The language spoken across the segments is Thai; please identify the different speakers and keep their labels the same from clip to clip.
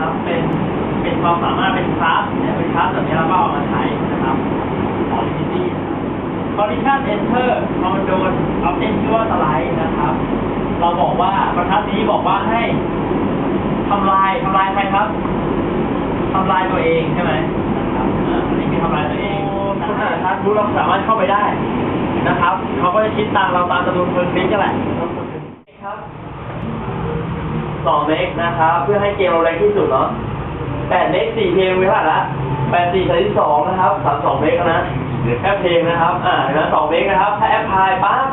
Speaker 1: นะครับเป็นความสามารถเป็นคลาสเนี่ยเป็นคลาสแบบนี้เราก็เอามาใช้นะครับของ Unity Condition Enter พอมันโดน Object ชื่อว่า Slide นะครับเราบอกว่าบรรทัดนี้บอกว่าให้ทำลายใครครับทำลายตัวเองใช่ไหมนะครับอันนี้คือทำลายตัวเองคุณนะครับรู้เราสามารถเข้าไปได้นะครับเขาก็จะคิดตังเราตามจำนวนคนคลิกกันแหละครับ2 เมกนะครับเพื่อให้เกมเราแรงที่สุดเนาะ8 เมก4 เพลงไว้ผ่านละ84 32นะครับ32 เมกนะแอปเพลงนะครับนะ2 เมกนะครับถ้าแอปพลายปั๊บ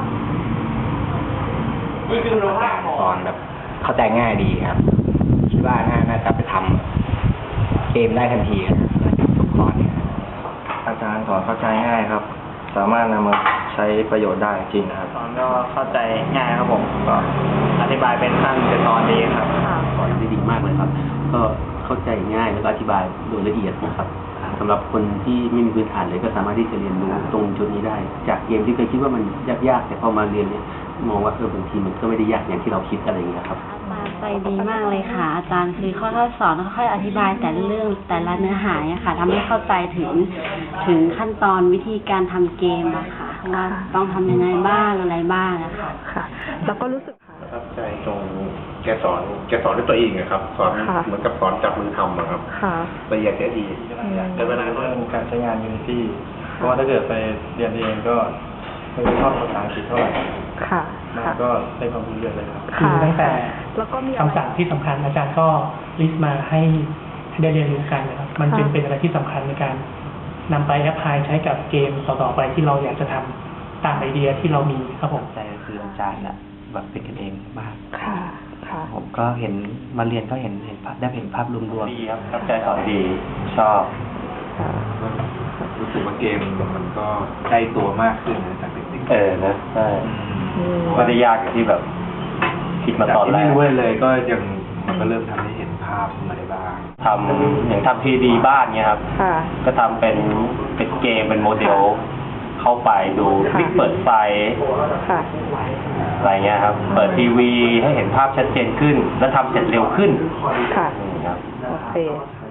Speaker 1: นี่คือคุณภาพของ
Speaker 2: สอนแบบเข้าใจง่ายดีครับคิดว่าน่าจะไปทำเกมได้ทันทีครับทุกคอนเนี่ย
Speaker 3: อาจารย์สอนเข้าใจง่ายครับ สามารถนำมาใช้ประโยชน์ได้จริงนะครับ
Speaker 4: สอนก็เข้าใจง่ายครับผมก็อธิบายเป็นขั้นเป็นตอนดีครับ
Speaker 5: สอนได้ดีมากเลยครับ ก็เข้าใจง่ายแล้วก็อธิบายโดยละเอียดนะครับสำหรับคนที่ไม่มีพื้นฐานเลยก็สามารถที่จะเรียนรู้ตรงจุดนี้ได้ จากเกมที่เคยคิดว่ามันยากๆแต่พอมาเรียนเนี่ยมองว่าบางทีมันก็ไม่ได้ยากอย่างที่เราคิดอะไรอย่างเงี้ยครับ
Speaker 6: อาจารย์ใจดีมากเลยค่ะ อาจารย์คือค่อยๆสอนค่อยๆอธิบายแต่ละเรื่องแต่ละเนื้อหาเนี่ยค่ะทำให้เข้าใจถึงขั้นตอนวิธีการทำเกมอะค่ะว่าต้องทำยังไงบ้างอะไรบ้างอะค่ะ
Speaker 7: ค่ะ แล้วก็รู้สึก
Speaker 8: ประทับใจตรงแกสอนด้วยตัวเองนะครับสอนเหมือนกับสอนจับมือทำครับ
Speaker 7: ค่ะ
Speaker 8: ละเอียดละเอียดแต่เวลา
Speaker 3: เรื่องการใช้งาน Unity เพราะว่าถ้าเกิดไปเรียนเองก็ไม่ได้ชอบภาษาอังกฤษเท่าไหร่
Speaker 7: ค่ะ
Speaker 3: มัน
Speaker 7: ค่ะ
Speaker 3: ก็ได้ความรู้เยอะเลยครับ
Speaker 7: ค่ะ
Speaker 9: ตั้งแต่
Speaker 7: แล้วก็มีอะไร
Speaker 9: คำสั่งที่สำคัญอาจารย์ก็ลิสต์มาให้ได้เรียนรู้กันนะครับ มันเป็นอะไรที่สำคัญในการนำไปแอพพลายใช้กับเกมต่อๆไปที่เราอยากจะทำตามไอเดียที่เรามีครับผม
Speaker 4: ใจก็คืออาจารย์อะแบบเป็นกันเองมาก
Speaker 7: ค่ะ ค่ะ
Speaker 4: ผมก็เห็นมาเรียนก็เห็นภาพได้เห็นภาพรวม
Speaker 3: ดีครับตั้งใจสอนดีชอบ
Speaker 7: ค่ะ
Speaker 8: รู้สึกว่าเกมมันก็ใกล้ตัวมากขึ้นจากเด็ก
Speaker 3: นะใช่
Speaker 7: อืม
Speaker 3: ไม่ได้ยากอย่างที่แบบคิดมาตอนแรก
Speaker 8: ไม่รู้เลยก็ยังมันก็เริ่มทำให้เห็นภาพมาได้บ้าง
Speaker 3: ทำอย่างทำทีดีบ้านเงี้ยครับ
Speaker 7: ค่ะ
Speaker 3: ก็ทำเป็นเกมเป็นโมเดล เข้าไปดูคลิกเปิดไฟ
Speaker 7: ค่ะ
Speaker 3: อะไรเงี้ยครับ เปิดทีวีให้เห็นภาพชัดเจนขึ้น และทำเสร็จเร็วขึ้น
Speaker 7: ค่ะ
Speaker 3: ครับ
Speaker 7: โอเค